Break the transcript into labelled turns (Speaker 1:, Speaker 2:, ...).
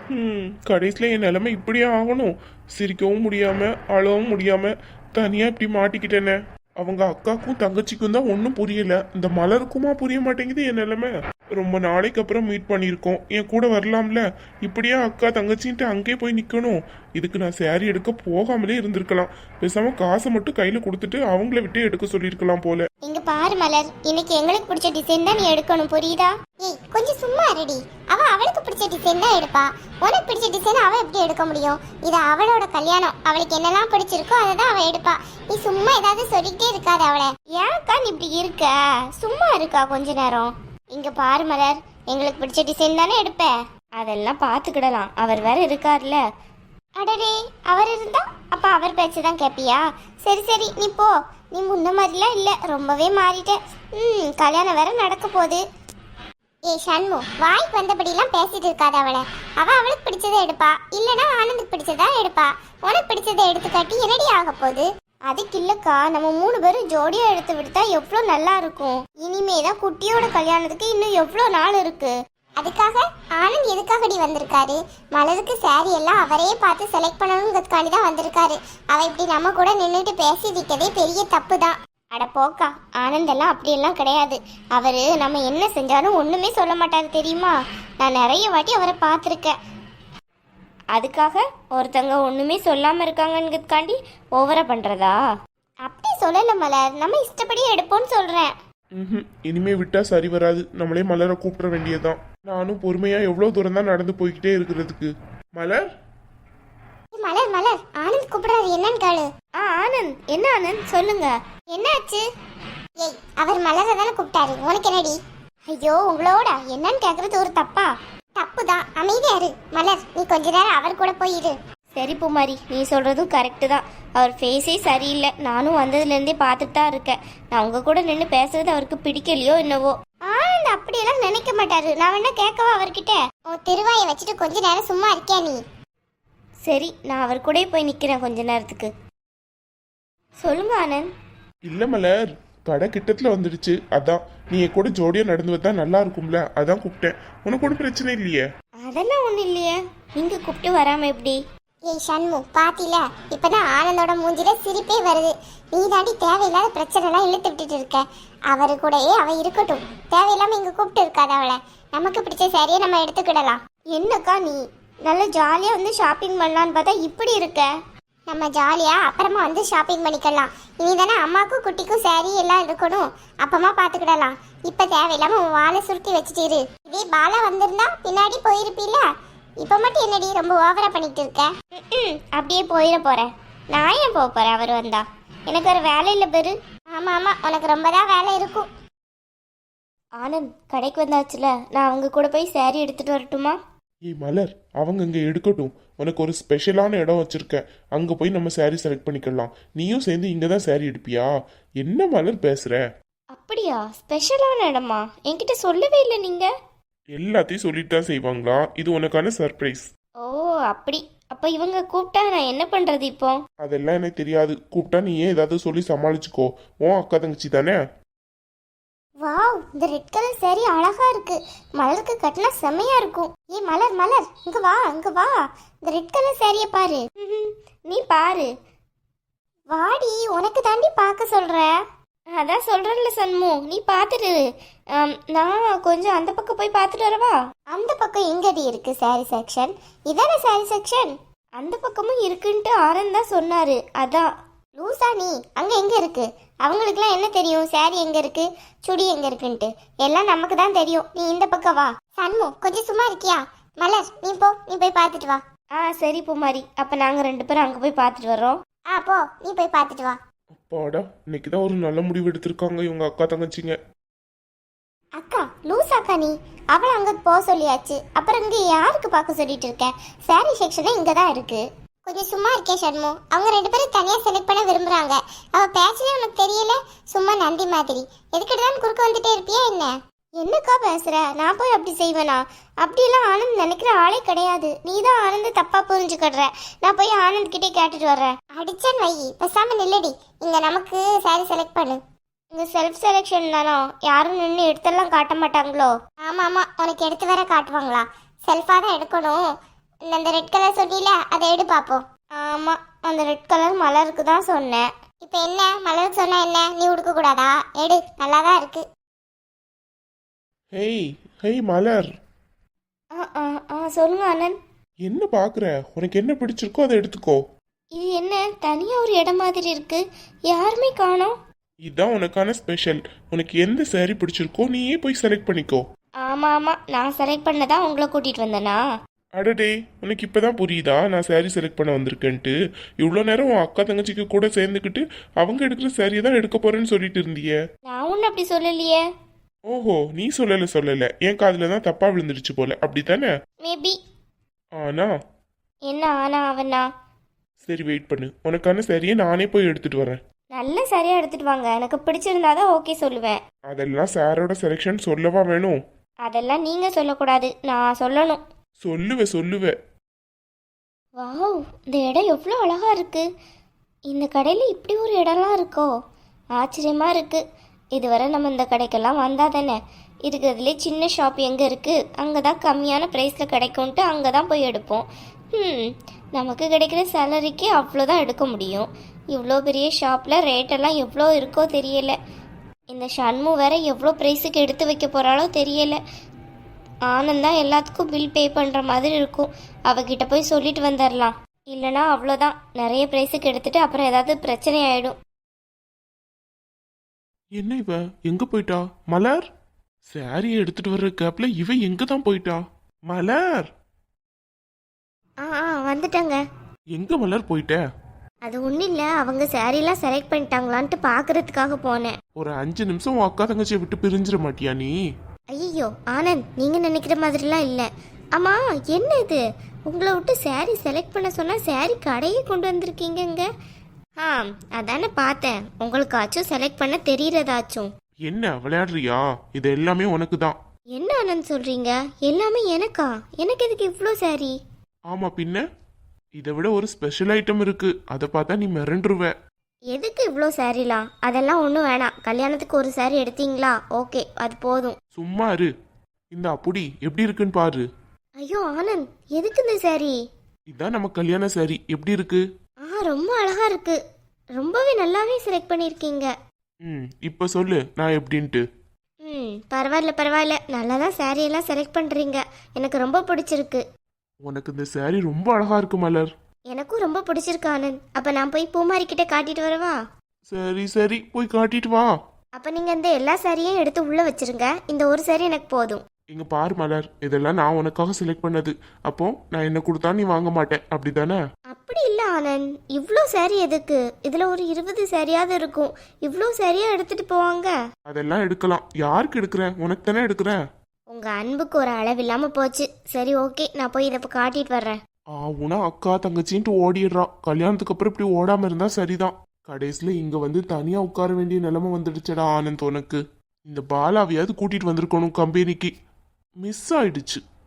Speaker 1: கடைசியில் என் நிலைமை இப்படியே ஆகணும். சிரிக்கவும் முடியாம அழவும் முடியாம தனியா இப்படி மாட்டிக்கிட்டேனே. அவங்க அக்காக்கும் தங்கச்சிக்கும் தான் ஒன்றும் புரியல. இந்த மலருக்குமா புரிய மாட்டேங்குது என் நிலைமை. ரொம்ப நாளைக்கு அப்புறம் மீட் பண்ணியிருக்கோம், என் கூட வரலாம்ல. இப்படியே அக்கா தங்கச்சின்ட்டு அங்கேயே போய் நிற்கணும். இதுக்கு நான் சேரீ எடுக்க போகாமலே இருந்திருக்கலாம். பேசாம காசை மட்டும் கையில கொடுத்துட்டு அவங்கள விட்டு எடுக்க சொல்லியிருக்கலாம் போல.
Speaker 2: இங்க பாரு மலர், இன்னைக்கு எங்களுக்கு பிடிச்ச டிசைன் தான் நீ எடுக்கணும், புரியுதா? ஏய் கொஞ்சம் சும்மா ரெடி. அவ அவளுக்கு பிடிச்ச டிசைன் தான் எடுப்பா. உனக்கு பிடிச்ச டிசைன் அவ எப்படி எடுக்க முடியும்? இது அவளோட கல்யாணம், அவளுக்கு என்னெல்லாம் பிடிச்சிருக்கோ அதை தான் அவ எடுப்பா. நீ சும்மா ஏதாவது சொல்லிட்டே இருக்காது அவளை. ஏன்க்கா நீ இப்படி இருக்க? சும்மா இருக்கா கொஞ்ச நேரம். இங்க பாரு மலர், எங்களுக்கு பிடிச்ச டிசைன் தானே எடுப்ப. அதெல்லாம் பாத்துக்கிடலாம், அவர் வேற இருக்கார்ல. அடடே, அவர் இருந்தா அப்ப அவர் பேச்சுதான் கேப்பியா? சரி சரி நீ போ. நீ முன்ன மாதிரிலாம் இல்ல, ரொம்பவே மாறிட்ட. கல்யாணம் வேற நடக்க போகுது. ஏ ஷண்மு, வாய்க்கு வந்தபடிலாம் பேசிட்டு இருக்காது அவளை. அவளுக்கு பிடிச்சதை எடுப்பா, இல்லனா ஆனந்துக்கு பிடிச்சதா எடுப்பா. உனக்கு பிடிச்சதை எடுத்து காட்டி என்னடி ஆக போகுது? அதுக்கு இல்லக்கா, நம்ம 3 பேரும் ஜோடியா எடுத்து விடுத்தா எவ்வளோ நல்லா இருக்கும். இனிமேதான் குட்டியோட கல்யாணத்துக்கு இன்னும் எவ்வளோ நாள் இருக்கு. அதுக்காக ஆனந்த் எதுக்காகடி வந்திருக்காரு? மலருக்கு சாரி எல்லாம் அவரே பார்த்து செலக்ட் பண்ணணுங்கிறதுக்காண்டி தான் வந்திருக்காரு. அவ இப்படி நம்ம கூட நின்றுட்டு பேசிட்டதே பெரிய தப்பு தான். அட போக்கா, ஆனந்த் எல்லாம் அப்படியெல்லாம் கிடையாது. அவரு நம்ம என்ன செஞ்சாலும் ஒண்ணுமே சொல்ல மாட்டாரு தெரியுமா? நான் நிறைய வாட்டி அவரை பார்த்துருக்கேன். அதுக்காக ஒருத்தங்க ஒண்ணுமே சொல்லாம இருக்காங்கங்கிறதுக்காண்டி ஓவரா பண்றதா? அப்படி சொல்லல மலர், நம்ம இஷ்டப்படி எடுப்போம்னு சொல்றேன்.
Speaker 1: இனிமே விட்டா சரி வராது. நம்மளே மலரை கூப்பிட வேண்டியதுதான். நானும் பொறுமையா எவ்வளவு தூரம் தான் நடந்து போய்கிட்டே இருக்கிறதுக்கு. மலர்
Speaker 2: மலர் மலர், ஆனந்த் கூப்பிடுறாரு, என்னன்னு கேளு. ஆனந்த், என்ன ஆனந்த் சொல்லுங்க, என்னாச்சு? ஏய், அவர் மலரை தானே கூப்பிட்டாரு, உனக்கு என்னடி? ஐயோ உங்களோட என்னன்னு கேக்குறது ஒரு தப்பா? தப்புதான், அமைதியா இரு. மலர், நீ கொஞ்ச நேரம் அவர் கூட போயிரு. சரி பூமாரி, நீ சொல்றதும் கரெக்டு தான். அவர் ஃபேஸே சரியில்லை. நானும் வந்ததுலேருந்தே பார்த்துட்டு தான் இருக்கேன். நான் உங்க கூட நின்று பேசுறது அவருக்கு பிடிக்கலையோ என்னவோ. ஆனந்த் அப்படியெல்லாம் நினைக்க மாட்டாரு. நான் வேணா கேட்கவா அவர்கிட்ட? உன் திருவாயை வச்சுட்டு கொஞ்ச நேரம் சும்மா இருக்கியா நீ? சரி, நான் அவர் கூட போய் நிற்கிறேன் கொஞ்ச நேரத்துக்கு. சொல்லுங்க ஆனந்த்.
Speaker 1: இல்ல மலர், கடை கிட்டத்துல வந்துடுச்சு. அதான் நீ என் கூட ஜோடியா நடந்து வந்தா நல்லா இருக்கும்ல, அதான் கூப்பிட்டேன். உனக்கு ஒன்றும் பிரச்சனை இல்லையே?
Speaker 2: அதெல்லாம் ஒன்றும் இல்லையே, நீங்க கூப்பிட்டு வராம எப்படி? ஏய் ஷண்மு, பாத்தில இப்பதான் ஆனந்தோட மூஞ்சில சிரிப்பே வருது. நீ தாண்டி தேவையில்லாத பிரச்சனை எல்லாம் இழுத்து விட்டுட்டு இருக்க. அவரு கூடயே அவ இருக்கட்டும், தேவையில்லாம இங்க கூப்பிட்டு இருக்காது அவளை. நமக்கு பிடிச்ச சாரியை நம்ம எடுத்துக்கிடலாம். என்னக்கா நீ நல்ல ஜாலியா வந்து ஷாப்பிங் பண்ணலான்னு பார்த்தா இப்படி இருக்க. நம்ம ஜாலியா அப்புறமா வந்து ஷாப்பிங் பண்ணிக்கலாம். இனி தானே அம்மாக்கும் குட்டிக்கும் சாரி எல்லாம் இருக்கணும், அப்பமா பாத்துக்கிடலாம். இப்ப தேவையில்லாம வாழை சுருட்டி வச்சுட்டு. இதே பாலா வந்திருந்தா பின்னாடி போயிருப்பீல. இப்ப மட்டும் என்னடி ரொம்ப ஓவரா பண்ணிட்டு இருக்க? அப்படியே போயிட போறேன். நான் ஏன் போக போறேன் அவர் வந்தா? எனக்கு ஒரு வேலை இல்லை பெரு. ஆமா ஆமா, உனக்கு ரொம்ப தான் வேலை இருக்கும். ஆனந்த், கடைக்கு வந்தாச்சுல, நான் அவங்க கூட போய் சாரி எடுத்துட்டு வரட்டுமா?
Speaker 1: ஏய் மலர், அவங்க இங்க எடுக்கட்டும். உனக்கு ஒரு ஸ்பெஷலான இடம் வச்சிருக்கேன், அங்க போய் நம்ம சாரி செலக்ட் பண்ணிக்கலாம். நீயும் சேர்ந்து இங்க தான் சாரி எடுப்பியா? என்ன மலர் பேசுற?
Speaker 2: அப்படியா? ஸ்பெஷலான இடமா? என்கிட்ட சொல்லவே இல்லை நீங்க.
Speaker 1: எல்லாத்தையும் சொல்லிட்டு தான் செய்வாங்களா? இது உனக்கான சர்ப்ரைஸ்.
Speaker 2: ஓ அப்படி. அப்ப இவங்க கூப்பிட்டா நான் என்ன பண்றது இப்போ?
Speaker 1: அதெல்லாம் எனக்கு தெரியாது. கூப்பிட்டா நீ ஏன் ஏதாவது சொல்லி சமாளிச்சுக்கோ. உன் அக்கா தங்கச்சி தானே.
Speaker 2: வாவ், இந்த ரெட் கலர் சாரி அழகா இருக்கு. மலருக்கு கட்டினா செமையா இருக்கும். ஏய் மலர் மலர், இங்க வா இங்க வா. இந்த ரெட் கலர் சாரிய பாரு. நீ பாரு. வாடி, உனக்கு தாண்டி பார்க்க சொல்ற. அதான் சொல்றேன்ல சண்மு, நீ பாத்துட்டு. நான் கொஞ்சம் அந்த பக்கம் போய் பார்த்துட்டு வரவா? அந்த பக்கம் எங்கடி இருக்கு சாரி செக்ஷன்? இதானே சாரி செக்ஷன். அந்த பக்கமும் இருக்குன்ட்டு ஆனந்த் தான் சொன்னாரு. அதான். லூசா நீ? அங்க எங்க இருக்கு? அவங்களுக்குலாம் என்ன தெரியும் சாரி எங்க இருக்கு, சுடி எங்க இருக்குன்ட்டு? எல்லாம் நமக்கு தான் தெரியும். நீ இந்த பக்கம் வா. சண்மு, கொஞ்சம் சும்மா இருக்கியா? மலர், நீ போ, நீ போய் பார்த்துட்டு வா. சரி பூமாரி, அப்ப நாங்க 2 பேரும் அங்க போய் பார்த்துட்டு வரோம். போ, நீ போய் பார்த்துட்டு வா.
Speaker 1: அப்பாடா, இன்னைக்குதான் ஒரு நல்ல முடிவு எடுத்திருக்காங்க இவங்க அக்கா தங்கச்சிங்க.
Speaker 2: அக்கா, லூசாக்கா நீ? அவளை அங்க போக சொல்லியாச்சு, அப்புறம் இங்க யாருக்கு பார்க்க சொல்லிட்டு இருக்க? சாரி செக்ஷனே இங்க தான் இருக்கு. கொஞ்சம் சும்மா இருக்கே ஷண்மு. அவங்க 2 பேரும் தனியா செலக்ட் பண்ண விரும்புறாங்க. அவ பேச்சனே உனக்கு தெரியல, சும்மா நந்தி மாதிரி. எதுக்கிட்டதான் குறுக்க வந்துட்டே இருப்பியா என்ன? என்னக்கா பேசுற? நான் போய் அப்படி செய்வேனா? அப்படியெல்லாம் ஆனந்த் நினைக்கிற ஆளே கிடையாது. நீ தான் ஆனந்த் தப்பா புரிஞ்சுக்கிடுற. நான் போய் ஆனந்த் கிட்டே கேட்டுட்டு வர்றேன். அடிச்சன் வை, பேசாம நில்லடி. இங்க நமக்கு சாரி செலக்ட் பண்ணு. இங்க செல்ஃப் செலெக்ஷன் தானோ? யாரும் நின்று எடுத்தெல்லாம் காட்ட மாட்டாங்களோ? ஆமா ஆமா, உனக்கு எடுத்து வேற காட்டுவாங்களா? செல்ஃபா தான் எடுக்கணும். அந்த ரெட் கலர் சொன்னீல அதை எடு பாப்போம். ஆமா, அந்த ரெட் கலர் மலருக்கு தான் சொன்னேன். இப்போ என்ன மலருக்கு சொன்னா என்ன, நீ உடுக்க கூடாதா? எடு, நல்லா தான் இருக்கு.
Speaker 1: ஹேய் ஹேய் மலர்,
Speaker 2: சொல்லுங்க ஆனந்த்.
Speaker 1: என்ன பாக்குற? உனக்கு என்ன பிடிச்சிருக்கோ அதை எடுத்துக்கோ.
Speaker 2: இது என்ன தனியா ஒரு இடம் மாதிரி இருக்கு, யாருமே காணோம்.
Speaker 1: இதுதான் உனக்கான ஸ்பெஷல். உனக்கு எந்த saree பிடிச்சிருக்கோ நீயே போய் செலக்ட் பண்ணிக்கோ.
Speaker 2: ஆமா ஆமா, நான் செலக்ட் பண்ணதான் உங்களை கூட்டிட்டு வந்தேனா?
Speaker 1: அடடே, உனக்கு இப்பதான் புரியுதா நான் saree செலக்ட் பண்ண வந்திருக்கேன்ட்டு? இவ்வளோ நேரம் உன் அக்கா தங்கச்சிக்கு கூட சேர்ந்துக்கிட்டு அவங்க எடுக்கிற saree தான் எடுக்க போறேன்னு சொல்லிட்டு இருந்தியே.
Speaker 2: நான் ஒன்னும் அப்படி சொல்லலையே.
Speaker 1: ஓஹோ, நீ சொல்லல, என் காதுல தான் தப்பா விழுந்துருச்சு போல, அப்படித்தானே?
Speaker 2: மேபி.
Speaker 1: ஆனா
Speaker 2: என்ன ஆனா அவனா?
Speaker 1: சரி வெயிட் பண்ணு, உனக்கான சரியை நானே போய் எடுத்துட்டு வரேன்.
Speaker 2: நல்ல சரியா எடுத்துட்டு வாங்க, எனக்கு பிடிச்சிருந்தாதான் ஓகே சொல்லுவேன்.
Speaker 1: அதெல்லாம் சாரோட செலெக்ஷன் சொல்லவா வேணும்?
Speaker 2: அதெல்லாம் நீங்க சொல்லக்கூடாது, நான் சொல்லணும்.
Speaker 1: சொல்லுவே.
Speaker 2: வாவ், இந்த இடம் எவ்வளோ அழகா இருக்கு. இந்த கடையில் இப்படி ஒரு இடம்லாம் இருக்கோ, ஆச்சரியமா இருக்கு. இதுவரை நம்ம இந்த கடைக்கெல்லாம் வந்தா தானே. இருக்கிறதுலே சின்ன ஷாப் எங்கே இருக்குது, அங்கே தான் கம்மியான ப்ரைஸில் கிடைக்கும்ன்ட்டு அங்கே தான் போய் எடுப்போம். நமக்கு கிடைக்கிற சேலரிக்கு அவ்வளோதான் எடுக்க முடியும். இவ்வளோ பெரிய ஷாப்பில் ரேட்டெல்லாம் எவ்வளோ இருக்கோ தெரியல. இந்த ஷண்மு வேற எவ்வளோ ப்ரைஸுக்கு எடுத்து வைக்க போகிறாளோ தெரியல. ஆனந்தா எல்லாத்துக்கும் பில் பே பண்ணுற மாதிரி இருக்கும். அவகிட்ட போய் சொல்லிட்டு வந்துடலாம். இல்லைனா அவ்வளோதான், நிறைய ப்ரைஸுக்கு எடுத்துட்டு அப்புறம் ஏதாவது பிரச்சனை ஆகிடும்.
Speaker 1: என்ன இவ எங்க போயிட்டா? மலர், சாரியை எடுத்துட்டு வர்ற கேப்ல இவ எங்க தான் போயிட்டா? மலர்,
Speaker 2: வந்துட்டேங்க.
Speaker 1: எங்க மலர் போயிட்ட?
Speaker 2: அது ஒன்றும் இல்லை, அவங்க சாரீலாம் செலக்ட் பண்ணிட்டாங்களான்ட்டு பார்க்கறதுக்காக போனேன்.
Speaker 1: ஒரு 5 நிமிஷம் உன் அக்கா தங்கச்சியை விட்டு பிரிஞ்சிட மாட்டியா நீ?
Speaker 2: ஐயோ ஆனந்த், நீங்கள் நினைக்கிற மாதிரிலாம் இல்லை. ஆமாம், என்ன இது, உங்களை விட்டு சாரீ செலக்ட் பண்ண சொன்னால் சாரீ கடையே கொண்டு வந்திருக்கீங்க. அதானே பார்த்தேன், உங்களுக்காச்சும் செலக்ட் பண்ண தெரியறதாச்சும்.
Speaker 1: என்ன விளையாடுறியா? இது எல்லாமே உனக்கு தான்.
Speaker 2: என்ன ஆனந்த் சொல்றீங்க? எல்லாமே எனக்கா? எனக்கு எதுக்கு இவ்வளோ சாரீ?
Speaker 1: ஆமா பின்ன, இதை விட ஒரு ஸ்பெஷல் ஐட்டம் இருக்கு, அதை பார்த்தா நீ மிரண்டுருவ.
Speaker 2: எதுக்கு இவ்வளோ சாரீலாம்? அதெல்லாம் ஒன்றும் வேணாம். கல்யாணத்துக்கு ஒரு சாரீ எடுத்தீங்களா, ஓகே, அது போதும்.
Speaker 1: சும்மா இரு. இந்த அப்படி எப்படி இருக்குன்னு பாரு.
Speaker 2: ஐயோ ஆனந்த், எதுக்கு இந்த சாரீ?
Speaker 1: இதான் நம்ம கல்யாண சாரி, எப்படி இருக்கு?
Speaker 2: ரொம்ப அழகா இருக்கு. ரொம்பவே நல்லாவே செலக்ட் பண்ணியிருக்கீங்க.
Speaker 1: இப்போ சொல்லு நான் எப்படின்ட்டு.
Speaker 2: பரவாயில்ல, நல்லா தான் சாரீ எல்லாம் செலக்ட் பண்ணுறீங்க. எனக்கு ரொம்ப பிடிச்சிருக்கு.
Speaker 1: உனக்கு இந்த சாரி ரொம்ப அழகா இருக்கு மலர்.
Speaker 2: எனக்கும் ரொம்ப பிடிச்சிருக்கு ஆனந்த். அப்போ நான் போய் பூமாரி கிட்ட காட்டிட்டு வரவா?
Speaker 1: சரி போய் காட்டிட்டு வா.
Speaker 2: அப்போ நீங்கள் இந்த எல்லா சாரியும் எடுத்து உள்ளே வச்சிருங்க. இந்த ஒரு சாரி எனக்கு போதும்.
Speaker 1: இங்க பாரு மலர், இதெல்லாம் நான் உனக்காக செலக்ட் பண்ணது. அப்போ நான் என்ன கொடுத்தா நீ வாங்க மாட்டேன், அப்படிதானே?
Speaker 2: அப்படி இல்லை ஆனந்த், இவ்வளோ சாரி எதுக்கு? இதில் ஒரு 20 சாரியாவது இருக்கும். இவ்வளோ சாரியா எடுத்துட்டு போவாங்க?
Speaker 1: அதெல்லாம் எடுக்கலாம். யாருக்கு எடுக்கிறேன்? உனக்கு தானே எடுக்கிறேன்.
Speaker 2: உங்கள் அன்புக்கு ஒரு அளவு இல்லாமல் போச்சு. சரி ஓகே, நான் போய் இதை காட்டிட்டு வர்றேன்.
Speaker 1: உனா அக்கா தங்கச்சின்ட்டு ஓடிடுறா. கல்யாணத்துக்கு அப்புறம் இப்படி ஓடாம இருந்தா சரிதான். கடைசியில இங்க வந்து தனியா உட்கார வேண்டிய நிலைமை வந்துடுச்சடா ஆனந்த் உனக்கு. இந்த பாலாவையாவது கூட்டிட்டு வந்திருக்கணும் கம்பெனிக்கு. மிஸ் ஆயிடுச்சு.